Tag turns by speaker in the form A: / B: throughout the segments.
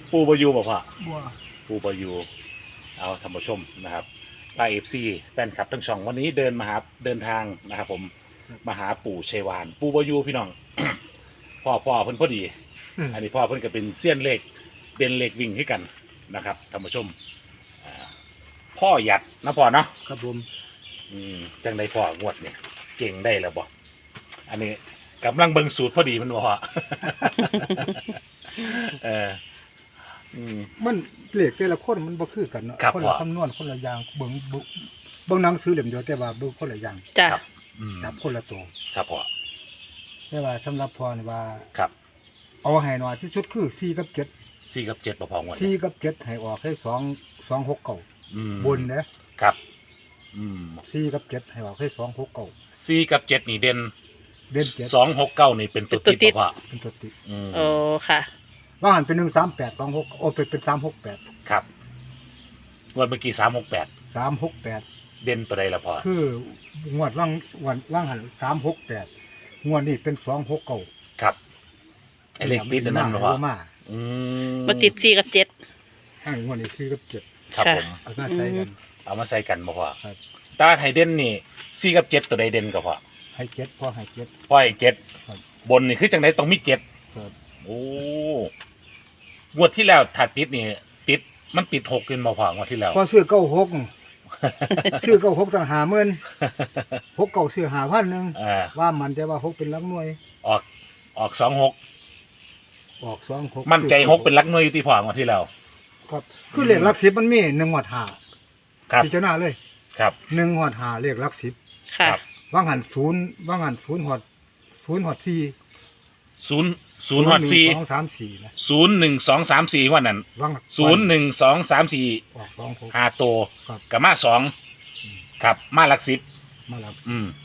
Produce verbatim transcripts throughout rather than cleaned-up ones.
A: ปูบอยูบอกพ่อ
B: บัว
A: ปูบอยูเอาท่านผู้ชมนะครับไลฟ์เอฟซีแฟนคลับทั้งช่องวันนี้เดินมาหาเดินทางนะครับผมมาหาปู่ชัยวานปูบอยูพี่น้อง พ่อพ่อเพิ่นพอดี อันนี้พ่อเพิ่นก็เป็นเซียนเลขเด่นเลขวิ่งให้กันนะครับท่านผู้ชมอ่าพ่อหยัดนะพ่อเนาะ
B: ครับผม
A: อืมจังได้พ่องวดเนี่ยเก่งได้แล้วบ่อันนี้กำลังเบิ่งสูตรพอดีมันบ่พ่อ เอออืม
B: มันเลขแต่ละคนมันบ่คือกันเนาะ
A: ครับ
B: คน
A: พ่
B: ละ
A: อ
B: คำนวณคนละอย่างเบิ่งเบิ่งเบิ่งหนังสือเล่มเดียวแต่ว่าเบิ่งคนละอย่าง
C: จ้ะ
A: ครับอืม
B: จับคนละตัว
A: ครับพ่อ
B: แต่ว่าสำหรับพ่อนี่ว่า
A: ครับ
B: เอาให้น้อยที่สุดคือสี่กับเจ็ด
A: สี่กับเจ็ดบ่พองวด
B: สี่
A: เนี่ย
B: กับเจ็ดให้ออกให้สอง สองหกเก้า
A: อืม
B: บนเด้อ
A: ครับอืม
B: สี่กับเจ็ดให้ออกให้สองหกเก้า
A: สี่กับเจ็ดนี่เด่น
B: เด่นเจ็ด
A: สองหกเก้านี่เป็นตัวติดบ่พ่อ
B: เป็นตัวติด
A: อืม
C: โอ้ค่ะ
B: ว่าหันเป็นหนึ่งสามแปดสองหกโอ้เป็นเป็นสามหกแปด
A: ครับงวดเมื่อกี้สามหกแปด
B: สามหกแปด
A: เด่นตัวใดละพ่อ
B: คืองวดว่างวันว่างหันสามหกแปดงวดนี้เป็นสองหกเก้า
A: ครับไอเลขติดอันนั้นบ่พ่อ
B: มา
A: อืม
C: มาติดสี่กับเจ็ด
B: ให้งวดนี้สี่กับเจ็ด
A: ครับ
C: ค่ะ
A: ผม
B: เอามาใส่กัน
A: เอามาใส่กันบ่พ่อ
B: ครับ
A: ตาไฮเด่นนี่สี่กับเจ็ดตัวใดเด่นก็พ่อ
B: ให้เจ็ดพอให้เจ็ด
A: พ่อไอ้เจ็ด
B: ครับ
A: บนนี่คือจังไดต้องมีเจ็ด
B: ครับ
A: โอ้งวดที่แล้วถ้าติดนี่ติดมันติดหกขึ้นมาพองวดที่แล้ว
B: พอซื้อเก้าหก ซื้อเก้าหกต่างหาเมื่นหกเก้าซื้อหาพันหนึ่ง
A: อ่า
B: ว่ามันจะว่าหกเป็นหลักหน่วย
A: ออกออกสองหก
B: ออกสองหก
A: มั่นใจหกเป็นหลักหน่วยอยู่ที่พองวดที่แล้ว
B: ครับคือเลขหลักสิบมันมีหนึ่งหอดหา
A: ครับ
B: พิจารณาเลย
A: ครับ
B: หนึ่งหอดหาเลขหลักสิบ
C: ค่ะ
A: ครับ
B: ว่างหันศูนย์ว่างหันศูนย์หอดศูนย์หอดสี่
A: ศูนย์ศูนย์หอดสี่
B: สองสามสี่นะ
A: ศูนย์หนึ่งสองสามสี่วันนั้น
B: ว่าง
A: ศูนย์หนึ่งสองสามสี่
B: ออกสองหก
A: ห้าตัว
B: ครับ
A: กับมาสอง
B: อืม
A: ครับมาหลักสิบ
B: มาหลักสิบ
A: อืม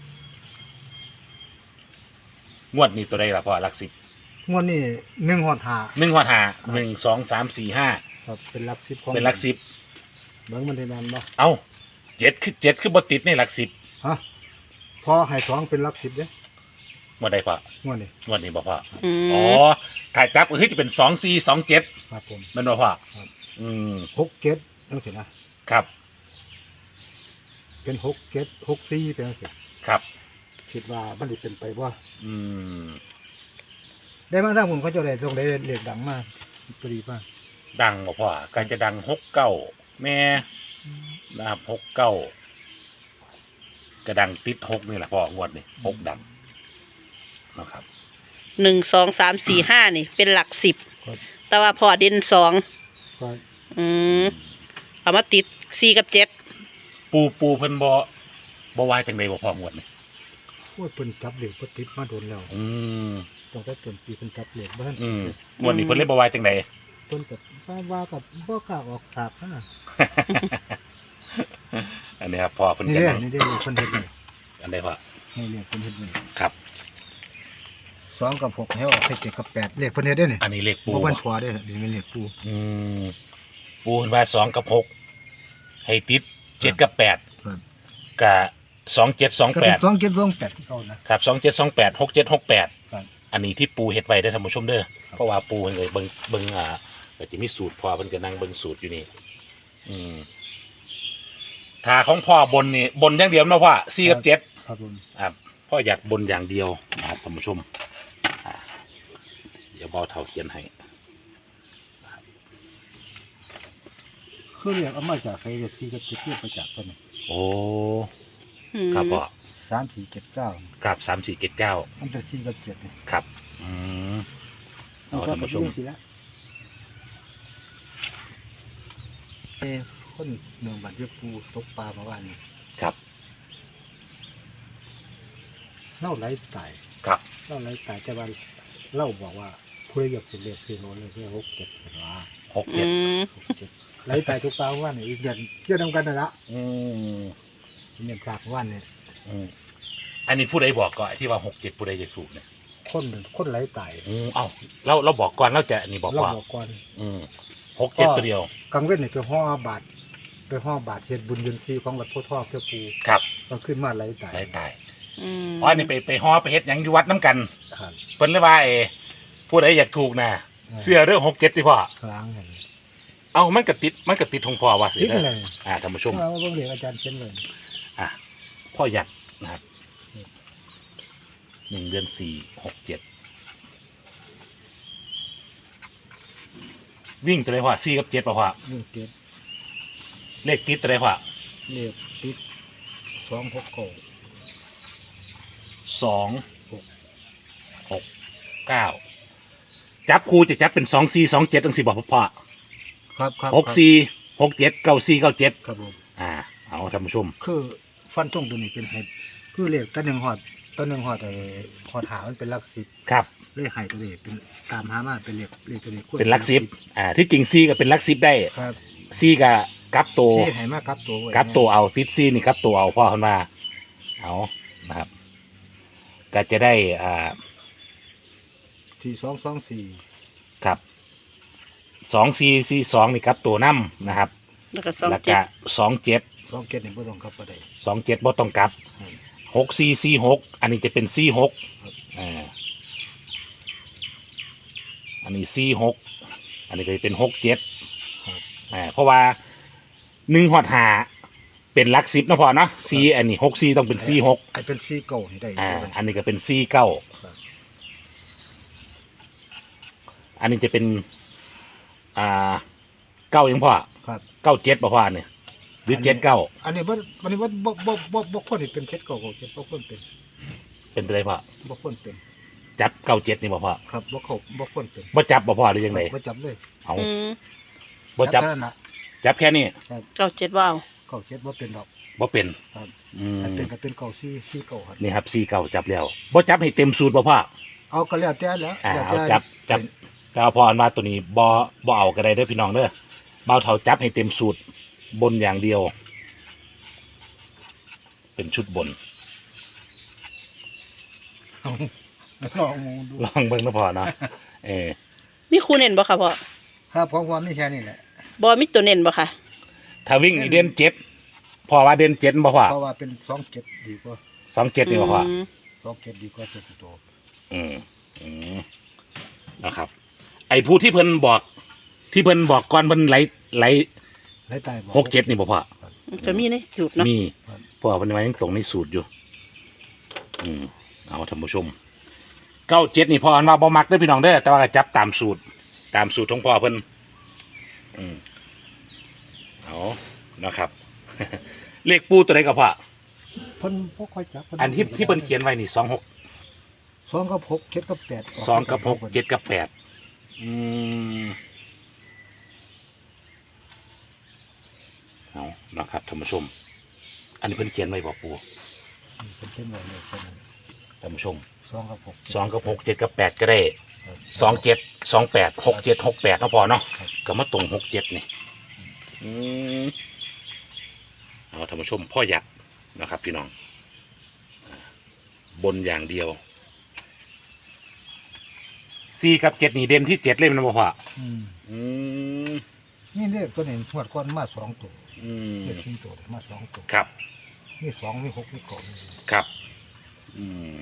A: งวดนี้ตัวใดล่ะพ่อหลักสิบ
B: งวดนี้หนึ่งหอดหา
A: หนึ่งหอดห้าหนึ่งสองสามสี่ห้า
B: ครับเป็นหลักสิบของ
A: เป็นหลักสิบ
B: เบิ่งมันได้แม่นบ่
A: เอ้าเจ็ดคือเจ็ดคือบติดในหลักสิบ
B: ฮะพอให้สองเป็นหลักสิบเด้
A: งวดใดพ่อง
B: วดนี้
A: งวดนี้บ่พ่อ
C: อื
A: อ๋อ
C: ม
A: ถ่ายจับก็คือจะเป็นสองสี่สองเจ็ด
B: ครับผม
A: มันบ่พ่อ
B: ครับ
A: อืม
B: หกเจ็ดจังซี่นะครับ เป็นหกเจ็ดหกสี่เป็นจังซี่
A: ครับ
B: คิดว่ามันสิเป็นไปบ่
A: อืม
B: ได้มาทางผมเขาเจะได้ตรงได้เลขดังมากพอดีป่ะ
A: ดังบ่พ่อการจะดังหกเก้าแม่นะครับหกเก้ากระดังติดหกนี่แหละพ่องวดนี่หกดังนะครับ
C: หนึ่งสองสามสี่ห้านี่ เป็นหลักสิบ
B: ก็
C: แต่ว่าพอเด่นสอง
B: ก็
C: อืมเอามาติดสี่กับเจ็ด
A: ปูปูเพิ่นบ่บ่วายจังไดบ่พ่องวดนี่
B: โอ้ยเพิ่นจับเลขบ่ติดมาโดนแล้ว
A: อืม
B: ตั้งแต่ต้นปีเพิ่นจับเลขบ่ทัน
A: อืมงวดนี้เพิ่นเลยบ่วายจังได
B: เพิ่นก็ว่าว่ากับบ่กล้าออกฉากนะ
A: อันนี้ครับพ่อเพิ่น
B: นี่
A: ก็
B: เด้
A: นั่ง
B: นี่เด้เพิ่นเฮ็ดนี่
A: อันใดพ่อ
B: นี่เลขเพิ่นเฮ็ดนี่
A: ครับ
B: สองกับหกให้ออกให้เจ็ดกับแปดเลขเพิ่นเฮ็ดเด้นี่
A: อันนี้เลขปู
B: บ่
A: บ่
B: วันพอเด้นี่เป็นเลขปู
A: อืมปูเห็นว่าสองกับหกให้ติดเจ็ดกับแปด
B: ครับ
A: กับสองเจ็ดสอง
B: ก็
A: แป
B: เป็น
A: ด
B: สองเจ็ดสองแปดที่เขานะครับ
A: สองเจ็ดสองแปดหกเจ็ดหกแปด
B: ครับ
A: อันนี้ที่ปูเฮ็ดไว้ได้อท่านผู้ชมเด้อเพราะว่าปูเพิ่นเลยเบิ่งเบิ่งอ่าก็จะมีสูตรพ่อเพิ่นก็นั่งเบิ่งสูตรอยู่นี่อืมถ้าของพ่อบนนี่บนอย่างเดียวเนาะพ่อสี่กับเจ็ด
B: ครับผม
A: อ่าพ่ออยากบนอย่างเดียวนะครับท่านผู้ชมอ่าเดี๋ยวเบาเท่าเขียนให้
B: คือเรียกเอามาจากไสก็สี่กับเจ็ดเรียกมาจากเพิ่นนี่
A: โอ้
C: อืม
A: ครับพ่อ
B: สามสี่เจ็ดเก้า
A: กับสามสี่เจ็ดเก้า
B: มันเป็นสี่กับเจ็ดนี่
A: ครับ อืม เอาท่านผู้ชม
B: สิละเอ้คนเมืองบันเรียปูตกปลาเมื่อวานนี้
A: ครับ
B: เล่าไหลตาย
A: ครับ
B: เล่าไหลตายแต่ว่าเล่าบอกว่าผู้ใดอยากสิเรียกซื้อโลเลยเพื่อหกเจ็ดเป็นว่า
A: หกเจ็ด
C: อืม
B: หกเจ็ดไหลตายทุกปลาเมื่อวานนี่อีกเดือนเชื่อทำกันนั่นละ
A: อืม
B: เดือนจากเมื่อวานนี่
A: อืมอันนี้ผู้ใดบอกก่อนที่ว่าหกเจ็ดผู้ใดจะถูกเนี่ย
B: คนคนไหลตาย
A: อืมเอ้าเราเราบอกก่อนเราจะอันนี้บอก
B: เรา
A: ว่า
B: บอกก่อน
A: อืมหกเจ็ดตัวเดียว
B: กลางเว้นนี่ไปห่อบาทไปห่อบาทเฮ็ดบุญยืนซีของวัดโพธิ์ทองเพื่อปู
A: ครับ
B: ก็ขึ้นมาไหลตาย
A: ไรตาย
C: อืม
A: อ๋ออันนี้ไปไปฮอไปเฮ็ดหยังอยู่วัดน้ำกัน
B: ครับ
A: เพิ่นเลยว่าเอผู้ใดอยากถูกนะเสื้อเรื่องหกเจ็ดที่พ่อ
B: ครั้งเห็น
A: เอามันกระติดมันกระติดของพ่อวะ
B: ติดเลย
A: อ่าท่านผู้ชม
B: เราเบิ่งเรียกอาจารย์เขียนเลย
A: อ่ะพ่อหยัดนะครับหนึ่งเดือนสี่หกเจ็ดวิ่งตัวไหนพ่อสี่กับเจ็ดป่ะพ่อ
B: นี่เจ็ด
A: เลขติดตัวไหนพ่อ
B: เรียกติดสองหกเก้า
A: สองหกเก้าจับคู่จะจับเป็นสองสี่สองเจ็ดตั้งสี่บอกพ่อ
B: ครับครับ
A: หกสี่หกเจ็ดเก้าสี่เก้าเจ็ด
B: ครับผม
A: อ่าเอาท่านผู้ชม
B: คือฟันตรงตัวนี้เป็นเห็ดคือเรียกตัวหนึ่งหอดตัวหนึ่งหอดไอ้หอดหามันเป็นหลักสิบ
A: ครับ
B: เลขไห้ตัวนี้เป็นตามหามาเป็นเลขเลขตัวนี้
A: เป็นหลักสิบอ่าที่จริงซีก็เป็นหลักสิบได้
B: ครับ
A: ซีกับกับตัว
B: สี่ไห้มากกับตัวไว้
A: กับตัวเอาติดซีนี่กับตัวเอาพ่อคนมาเอานะครับ ก็จะได้อ่า
B: สี่สองสองสี่
A: ครับสองซีซีสองนี่กับตัวน้ำนะครับ
C: แล้วก็สอง
A: แล้ว
C: เจ็
A: ก็
C: ด
A: สองเจ็ด
B: สองเจ็ดนี่บ่ต้องกลับก็ได้
A: สองเจ็ดบ่ต้องกลับ
B: อืม
A: หกซีซีหกอันนี้จะเป็นซีหก
B: ครับ
A: อ่าอันนี้ซีหกอันนี้ก็จะเป็นหกเจ็ด
B: ครับ
A: อ่าเพราะว่าหนึ่งหอดหาเป็นหลักสิบนะพอเนาะซีอันนี้หกซีต้องเป็นซีหก
B: ไอ้เป็นสี่เก้านี่ได้
A: อ่าอันนี้ก็เป็นซีเก้า
B: ครับ
A: อันนี้จะเป็นอ่าเก้ายังพอ
B: ครับ
A: เก้าเจ็ดป่ะพ่อเนี่ยหรือเจ็ดเก้า
B: อันนี้บ่อันนี้บ่บ่บ่บ่บ่ควรให้เป็นเจ็ดเก้าเก้าเจ็ดบ่ควรเป็น
A: เป็นไรพ่อ
B: บ่ควรเป็น
A: จับเก้าเจ็ดนี่ป่ะพ่อ
B: ครับบ่เข้าบ่ควรเป็น
A: บ่จับป่ะพ่อหรือยังไง
B: บ่จับเลย
A: เอา
C: อืม
A: บ่จับ
B: แค่นั้นน่ะ
A: จับแค่นี้
C: เก้าเจ็ดว้าว
B: เก้าเจ็ดบ่เป็นดอก
A: บ่เป็น
B: ครับ
A: อืม
B: อันเป็นก็เป็นเก้าสี่สี่เก้าครับ
A: นี่ครับซีเก้าจับแล้วบ่จับให้เต็มสูตรป่ะพ่อ
B: เอาก็แล้วแต่แล้ว
A: อ่า
B: แล้ว
A: เอา
B: แต่
A: จับจับก็เอาพออันว่าตัวนี้บ่บ่เอาก็ได้เด้อพี่น้องเด้อเบาเท่าจับให้เต็มสูตรบนอย่างเดียว เป็นชุดบน
B: เอาลองมองดู
A: ลองเบิ่งนะพ่อเนาะเออ
C: มีครูเน้นบ่ค่ะพ่อ
B: ครับของความมีแค่นี้แหละ
C: บ่มีตัวเน้นบ่ค่ะ
A: ถ้าวิ่งนี่เด่นเจ็ดพ่อว่าเด่นเจ็ดบ่พ่อ
B: เพราะว่าเป็นสองเจ็ดดีกว่า
A: สองเจ็ดนี่บ่พ่อ
C: อืม
B: สองเจ็ดดีกว่าเจ็ดตัว
A: อืมอืมนะครับ ไอ้ผู้ที่เพิ่นบอก ที่เพิ่นบอกก่อนเพิ่นไหลไหล
B: ไล่ตายบอก
A: หกเจ็ดนี่บ่พ่อ
C: ก็มีในสูตรเนาะ
A: มีเพราะว่าเพิ่นว่ายังตรงในสูตรอยู่ อืมเอาท่านผู้ชมเก้าเจ็ดนี่พ่ออันว่าบ่มักเด้อพี่น้องเด้อแต่ว่าก็จับตามสูตร ตามสูตรของพ่อเพิ่นอืมเอานะครับ เลขปูตัวไหนกับพ่อ
B: เพิ่นบ่ค่อยจับ
A: อันที่ที่เพิ่นเขียนไว้นี่สองหก
B: สองกับหกเจ็ดกับแปด
A: สองกับหกเจ็ดกับแปดอืมเอานะครับท่านผู้ชม อันนี้เพิ่นเขียนไว้บอกปู
B: เพิ่นเขียนไว้เลยเพิ่น
A: ท่านผู้ชม
B: สองกับหก
A: สองกับหกเจ็ดกับแปดก็ได้
B: ครับ
A: สองเจ็ดสองแปดหกเจ็ดหกแปดเนาะพอเนาะ
B: ครับ
A: ก็มาตรงหกเจ็ดนี่อืมเอาท่านผู้ชมพ่อหยัดนะครับ พี่น้องอ่าบนอย่างเดียวสี่กับเจ็ดนี่เด่นที่เจ็ดเลยมันบ่พอ
B: อืม
A: อืม
B: นี่เลขตัวนี้งวดก่อนมาสองตัว
A: อืม
B: เลขสี่ตัวเลยมาสองตัว
A: ครับ
B: มีสองมีหกมีเก้ามี
A: ครับ อืม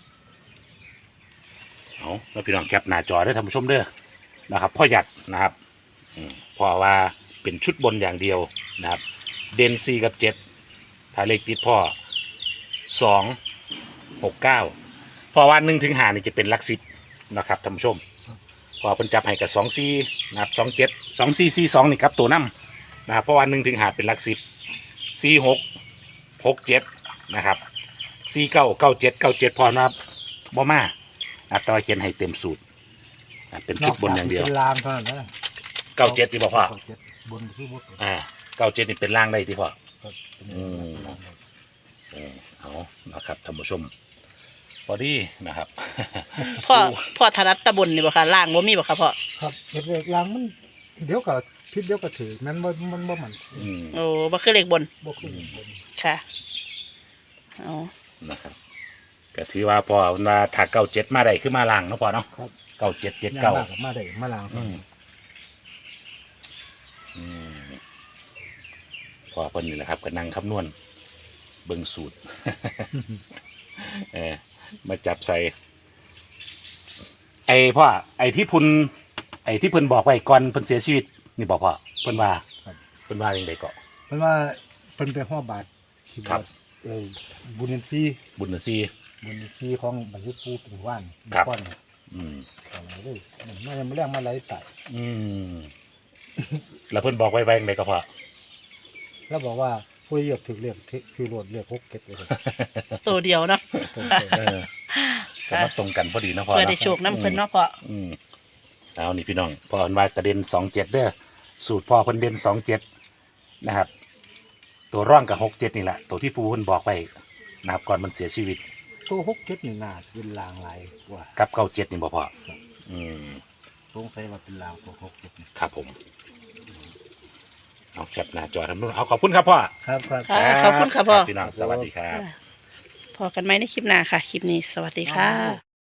A: เอาแล้วพี่น้องแคปหน้าจอได้อท่านผู้ชมเด้อนะครับ พ่อหยัดนะครับอืมเพราะว่าเป็นชุดบนอย่างเดียวนะครับ เดนซีกับเจ็ดถ้าเลขติดพ่อสองหกเก้าเพราะว่าหนึ่งถึงหานี่จะเป็นหลักสิบนะครับท่านผู้ชมเพอเพิ่นจับให้กับสองซีนะครับสองเจ็ดสองซีซีสองนี่ครับตัวน้ำนะครับเพราะว่าหนึ่งถึงหาเป็นหลักสิบซีหกหกเจ็ดนะครับซีเก้าเก้าเจ็ดเก้าเจ็ดพอนะครับบ่มาอ่ะต่อเขียนให้เต็มสูตรอ่ะเป็นชุดบนอย่างเดียว
B: เป็นลางเท่านั้นนะ
A: เก้าเจ็ดที่บอกพ่อ
B: เก้าเจ็ดบนคือบ่เป็น
A: อ่าเก้าเจ็ดนี่เป็นล่างได้ที่พ่อ
B: ครับเป็น
A: อืม
B: ลางได้
A: เออเอานะครับท่านผู้ชมพอดีนะครับ
C: พ่อพ่อถนัดตะบนนี่บ่ค่ะล่างบ่มีบ่ค่ะพ่อ
B: ครับเฮ็ดเลขลางมันเดี๋ยวก็ผิดเดี๋ยวก็ถือมันบ่มันบ่มัน
A: อืม
C: โอ้บ่คือเลขบน
B: บ่คือบน
C: ค่ะเอา
A: นะครับก็ถือว่าพอมาถ้าเก้าเจ็ดมาได้ขึ้นมาล่างเนาะพอเนาะ
B: ครับ
A: เก้าเจ็ดเจ็ด
B: ย่
A: เก้า
B: มกับมาได้มาลาง
A: อืมอืมพอเพิ่นนี่แหละครับก็นั่งคำนวณเบิ่งสูตร เออมาจับใส่ ไอ้พ่อไอ้ที่พุนไอ้ที่เพิ่นบอกไว้ก่อนเพิ่นเสียชีวิตนี่บอกพ่อเพิ่นว่า
B: ครับ
A: เพิ่นว่าอย่างไรก็
B: เพราะว่าเพิ่นไปห้อบาทที่
A: ครับ
B: วัดเออบุญอินทรีย์
A: บุญนซี
B: บุญอินทรีย์ของบรรลุปูเป็นว่าน
A: ครับ
B: ก้อนเนี่ย
A: อืม
B: เอาเลยมันไม่ได้มาเรียกมาไหลไต่
A: อืมแล้วเพิ่นบอกไว้ไว้อย่างไรก็พ่อ
B: แล้วบอกว่าผู้เหยียบถึงเรียกคือโรดเรียกหกเก็ดเลย
C: ตัวเดียวเนาะ
A: เออก็มาตรงกันพอดีเนาะพ่อ
C: เพื่อ
A: เนาะ
C: ได้โชคน้ำเพิ่นเนาะพ่อ
A: อืมเอานี่พี่น้องพ่อเพิ่นว่ากระเด็นสองเจ็ดเด้อสูตรพ่อเพิ่นเด่นสองเจ็ดนะครับ ตัวร่องกับหกเจ็ดนี่แหละตัวที่ปูเพิ่นบอกไปนะครับก่อนมันเสียชีวิต
B: ตัวหกเก็ดนี่น่าจะเป็นลางลายกว่า
A: กับเก้าเจ็ดนี่บ่พ่ออืม
B: สงสัยว่าเป็นลางตัวหกเก็ดนี่
A: ครับผมเอาแคปหน้าจอทำนู่นเอาขอบคุณครับพ่อ
B: ครับครับ
C: ค่ะขอบคุณค่ะพ่อ
A: พี่น้องสวัสดีครับ
C: พอกันไหมในคลิปหน้าค่ะ คลิปนี้สวัสดีค่ะ